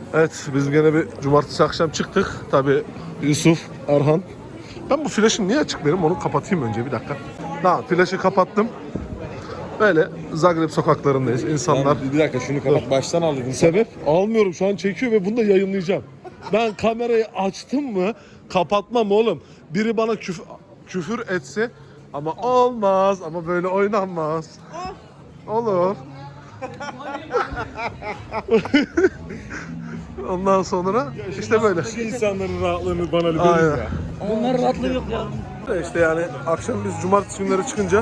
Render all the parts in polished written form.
Evet, biz gene bir cumartesi akşam çıktık. Tabii Yusuf, Erhan. Ben bu flaşım niye açık benim? Onu kapatayım önce bir dakika. Tamam, flaşı kapattım. Böyle Zagreb sokaklarındayız. İnsanlar... Bir dakika şunu kapat. Baştan al dedim. Sebep? Almıyorum, şu an çekiyor ve bunu da yayınlayacağım. Ben kamerayı açtım mı kapatmam oğlum. Biri bana küfür etse ama olmaz, ama böyle oynanmaz. Olur. Ondan sonra işte böyle. Şu insanların rahatlığını bana Aynen. lütfen ya. Bunlar rahatlığı yok ya. İşte yani akşam biz cumartesi günleri çıkınca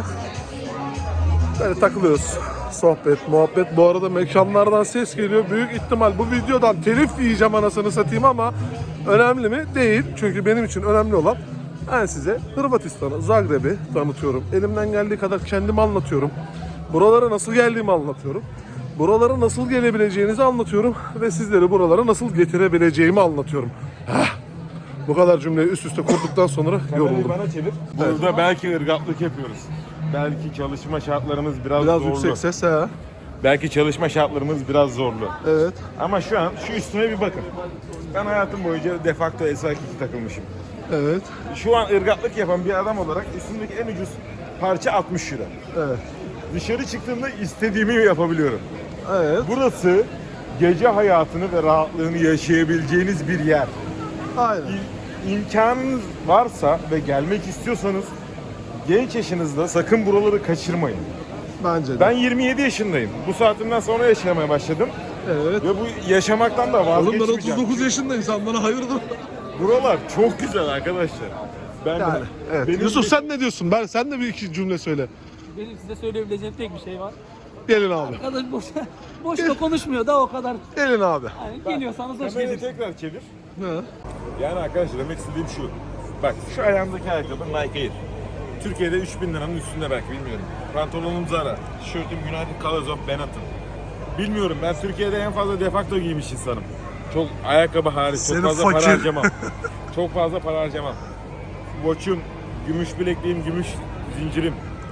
böyle takılıyoruz. Sohbet, muhabbet. Bu arada mekanlardan ses geliyor. Büyük ihtimal bu videodan telif yiyeceğim anasını satayım ama önemli mi? Değil. Çünkü benim için önemli olan ben size Hırvatistan'ı, Zagreb'i tanıtıyorum. Elimden geldiği kadar kendimi anlatıyorum. Buralara nasıl geldiğimi anlatıyorum. Buralara nasıl gelebileceğinizi anlatıyorum ve sizleri buralara nasıl getirebileceğimi anlatıyorum. Bu kadar cümleyi üst üste kurduktan sonra Kamerayı yoruldum. bana çevir. Burada belki ırgatlık yapıyoruz. Belki çalışma şartlarımız biraz zorlu. Yüksek ses ha. Belki çalışma şartlarımız biraz zorlu. Evet. Ama şu an şu üstüne bir bakın. Ben hayatım boyunca de facto S2 takılmışım. Evet. Şu an ırgatlık yapan bir adam olarak üstündeki en ucuz parça 60 lira. Evet. Dışarı çıktığımda istediğimi yapabiliyorum. Evet. Burası gece hayatını ve rahatlığını yaşayabileceğiniz bir yer. Aynen. İmkanınız varsa ve gelmek istiyorsanız genç yaşınızda sakın buraları kaçırmayın. Bence de. Ben 27 yaşındayım. Bu saatimden sonra yaşamaya başladım. Evet. Ve bu yaşamaktan da Oğlum ben vazgeçmeyeceğim. 39 yaşındayım. Sen bana hayırdır? Buralar çok güzel arkadaşlar. Ben Yani. Evet. benim Yusuf sen ne diyorsun? Sen de bir iki cümle söyle. Benim size söyleyebileceğim tek bir şey var. Gelin abi. Arkadaş boşuna konuşmuyor da o kadar. Gelin abi. Yani geliyorsanız hoş kamerayı geldiniz. tekrar çevir. Ha. Yani arkadaşlar demek istediğim şu. Bak şu ayağımdaki ayakkabı Nike Air. Türkiye'de 3000 liranın üstünde belki bilmiyorum. Pantolonum Zara. Tişörtüm United Colors of Benetton. Bilmiyorum, ben Türkiye'de en fazla de facto giymiş insanım. Çok ayakkabı hariç çok Seni fazla fakir. para harcamam. Çok fazla para harcamam. Watch'um, gümüş bilekliğim, gümüş zincirim.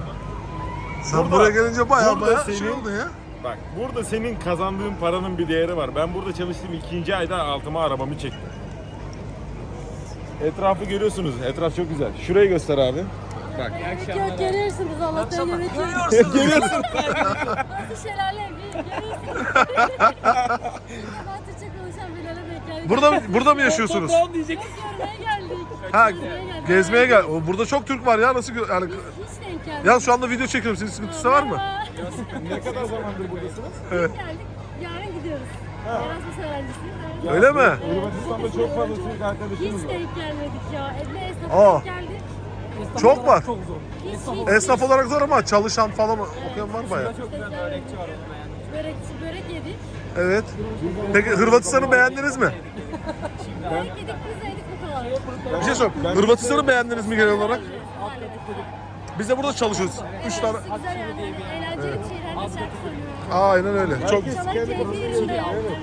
Sen Burada- buraya gelince baya burada baya senin- şey oldu ya. Bak burada senin kazandığın paranın bir değeri var. Ben burada çalıştığım 2. ayda altıma arabamı çektim. Etrafı görüyorsunuz. Etraf çok güzel. Şurayı göster abi. Bak. Yok görüyorsunuz Allah'tan yönetiyor. Görüyorsun. Nasıl şelale bir görüyorsunuz. Ben Türkçe konuşan Bilal'e denk geldik. Burada mı yaşıyorsunuz? Toprağım diyecek. Görmeye geldik. Ha, Gezmeye geldik. gezmeye gel. Burada çok Türk var ya, nasıl yani? Hiç denk geldik. Ya şu anda video çekiyorum. Senin sıkıntısı var mı? Ne kadar zamandır buradasınız? Geldik. Yarın gidiyoruz. Erasmus öğrencisiyiz. Öyle mi? Hırvatistan'da çok fazla Türk arkadaşımız Hiç var. denk gelmedik ya. Ne esnafa Aa. denk geldik. Esnaf Çok olarak var. Çok zor. Hiç. Esnaf olarak zor ama çalışan falan okuyan var baya. Çok güzel bir öğretçi var onun yani. Börek yedik. Evet. Peki Hırvatistan'ı beğendiniz mi? Börek yedik, pizza yedik bu kadar. Bir şey sorayım. Hırvatistan'ı beğendiniz mi genel olarak? Halledik. Biz de burada çalışıyoruz. 3 tane. Güzel yani. Eğlenceli şeylerle şarkı söylüyoruz. Aynen öyle. Çok Çalak keyfi yerinde. Evet, evet.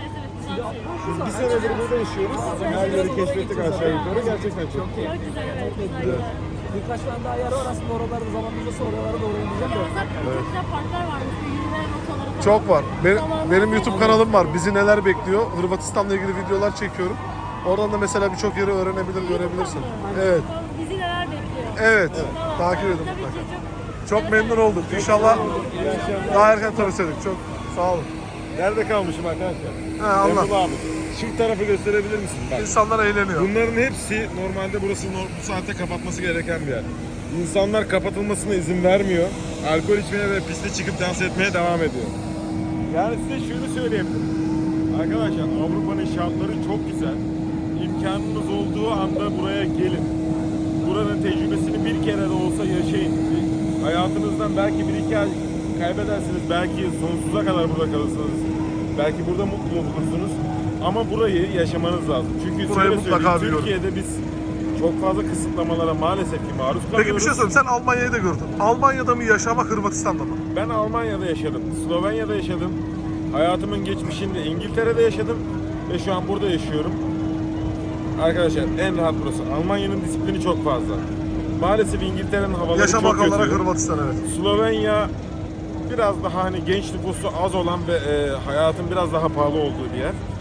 Bir senedir burada yaşıyoruz. Her yeri keşfettik aşağı yukarı. Gerçekten çok iyi. Çok güzel, evet. Güzel. Birkaç tane daha yer var aslında oralarda zamanımızda oralara doğru ineceğim de. Zaten çok güzel parklar varmış. Yürüme rotaları falan. Çok var. Benim Zamanında YouTube kanalım var. Bizi neler bekliyor? Hırvatistan'la ilgili videolar çekiyorum. Oradan da mesela birçok yeri öğrenebilir, görebilirsin. Evet. Bizi neler bekliyor? Evet. Tamam. Takip edin Tabii mutlaka. ki Çok memnun olduk. İnşallah daha erken tanışırdık. Çok sağ olun. Nerede kalmışım arkadaşlar? Ha, Allah. Emrullah abi. Şu tarafı gösterebilir misin? Bak. İnsanlar eğleniyor. Bunların hepsi normalde burası bu saatte kapatması gereken bir yer. İnsanlar kapatılmasına izin vermiyor. Alkol içmeye ve piste çıkıp dans etmeye devam ediyor. Yani size şunu söyleyebilirim. Arkadaşlar Avrupa'nın şartları çok güzel. İmkanınız olduğu anda buraya gelin. Buranın tecrübesini bir kere de olsa yaşayın. Hayatınızdan belki bir iki ay kaybedersiniz. Belki sonsuza kadar burada kalırsınız. Belki burada mutlu olursunuz. Ama burayı yaşamanız lazım. Çünkü Burayı şöyle mutlaka söyleyeyim, biliyorum. Türkiye'de biz çok fazla kısıtlamalara maalesef ki maruz kalıyoruz. Peki bir şey sorayım. Sen Almanya'yı da gördün. Almanya'da mı yaşamak, Hırvatistan'da mı? Ben Almanya'da yaşadım, Slovenya'da yaşadım. Hayatımın geçmişinde İngiltere'de yaşadım ve şu an burada yaşıyorum. Arkadaşlar en rahat burası. Almanya'nın disiplini çok fazla. Maalesef İngiltere'nin havaları Yaşamak çok olarak kötü. Hırvatistan, evet. Slovenya biraz daha hani genç nüfusu az olan ve hayatın biraz daha pahalı olduğu bir yer.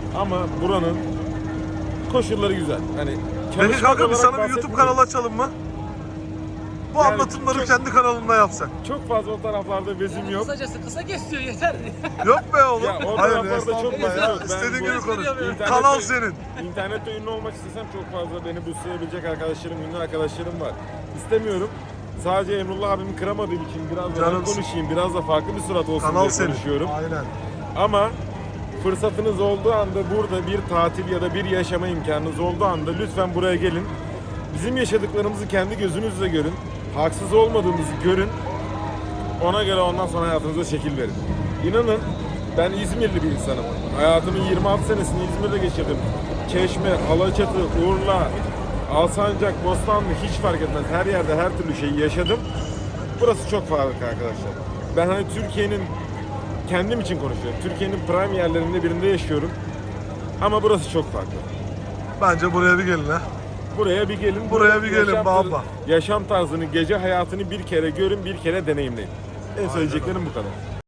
Ama buranın koşulları güzel. Hani Peki çalışma kanka biz olarak sana bir YouTube bahsetmiyorum. kanalı açalım mı? Bu Yani anlatımları çok- kendi kanalında yapsak. Çok fazla o taraflarda vezim yok. Kısacası kısa kesiyor yeter. Yok be oğlum. Ya o Hayır taraflarda çok estağfurullah fazla ya. yok. Ben İstediğin bu- gibi konuş. İnternette- Kanal senin. İnternette ünlü olmak istesem çok fazla beni boostlayabilecek arkadaşlarım, ünlü arkadaşlarım var. İstemiyorum. Sadece Emrullah abimi kıramadığım için biraz da ben Canımsın. konuşayım, biraz da farklı bir surat olsun Kanal diye senin. konuşuyorum. Aynen. Ama fırsatınız olduğu anda burada bir tatil ya da bir yaşama imkanınız olduğu anda lütfen buraya gelin. Bizim yaşadıklarımızı kendi gözünüzle görün. Haksız olmadığımızı görün. Ona göre ondan sonra hayatınıza şekil verin. İnanın ben İzmirli bir insanım. Hayatımın 26 senesini İzmir'de geçirdim. Çeşme, Alaçatı, Urla, Alsancak, Bostanlı hiç fark etmez. Her yerde her türlü şeyi yaşadım. Burası çok farklı arkadaşlar. Ben hani Türkiye'nin kendim için konuşuyorum. Türkiye'nin prime yerlerinde birinde yaşıyorum. Ama burası çok farklı. Bence buraya bir gelin ha. Buraya bir gelin. Buraya bir gelin yaşam baba. Yaşam tarzını, gece hayatını bir kere görün, bir kere deneyimleyin. En söyleyeceklerim bu kadar.